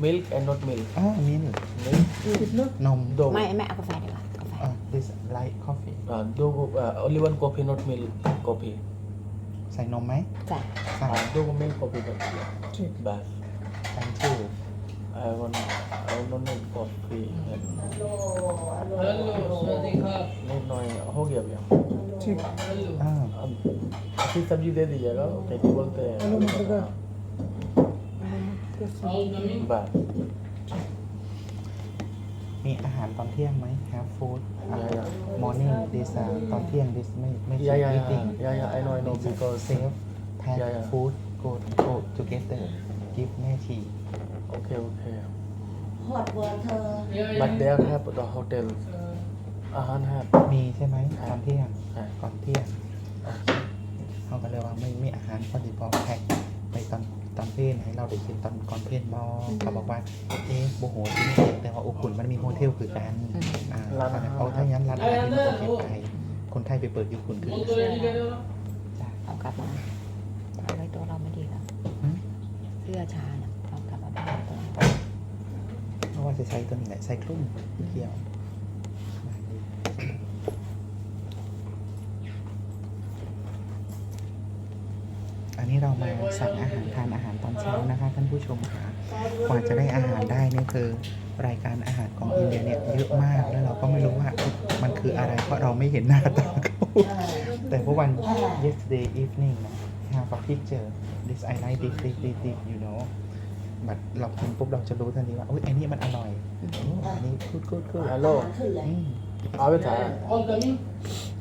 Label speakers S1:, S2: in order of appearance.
S1: milk and not milk
S2: มิล
S1: milk
S2: นม
S1: do
S3: ไม่เอากาแฟดีกว่ากาแฟ
S2: this light coffee
S1: do only one coffee not milk coffee
S2: ใส่นมไหม
S3: ใส่
S2: ใส่
S1: do milk coffee but bath
S2: thank you
S1: I want not need coffee นิดหน่อยहो गया भैया
S2: อ่า
S1: फिर सब्जी दे दीजिएगा कैसे बोलते हैं bye
S2: มีอาหารตอนเที่ยงไหม have food
S1: Yeah.
S2: morning this ตอนเที่ยง this ไม่
S1: yeah
S2: eating
S1: I know because
S2: save pack
S1: Yeah.
S2: food go together give แม่ชี
S1: okay
S4: หอดเวอร์เธอ
S1: but they have the hotel อาหาร have
S2: มีใช่ไหมตอนเที่ยง
S1: ใช่
S2: ก่อนเที่ยงเขาก็เลยว่าไม่มีอาหารพอดีพอแพ็คไปตอนเพลนให้เราได้กินตอนก่อนเพลนบอเขาบอกว่าโบโหที่นี่แต่ว่าอบอุ่นมันมีโฮเทลคือกันเอาถ้างั้นร้านอาหารที่ประเทศไทยคนไทยไปเปิดญี่ปุ่นคือจ้ะ
S3: เอากลับมาเอาไว้ตัวเราไม่ดีแล้วเสื้อชาเนี่ยเอากลับมาบ้านตัว
S2: เพราะว่าจะใช้ตัวนี้แหละใส่คลุ้มเกี่ยวอันนี้เรามาสั่งอาหารทานอาหารตอนเช้านะคะท่านผู้ชมค่ะกว่าจะได้อาหารได้เนี่ยคือรายการอาหารของอินเดียเนี่ยเยอะมากแล้วเราก็ไม่รู้ว่ามันคืออะไรเพราะเราไม่เห็นหน้าตาเขาแต่เมื่อวัน yesterday evening นะ have a picture this I like this you know บัดเรากินปุ๊บเราจะรู้ทันทีว่าอุ้ยไอ้นี่มันอร่อยอันนี้good
S1: ฮัลโหล
S4: ขึ้นเลย
S1: เอาไปถ่าย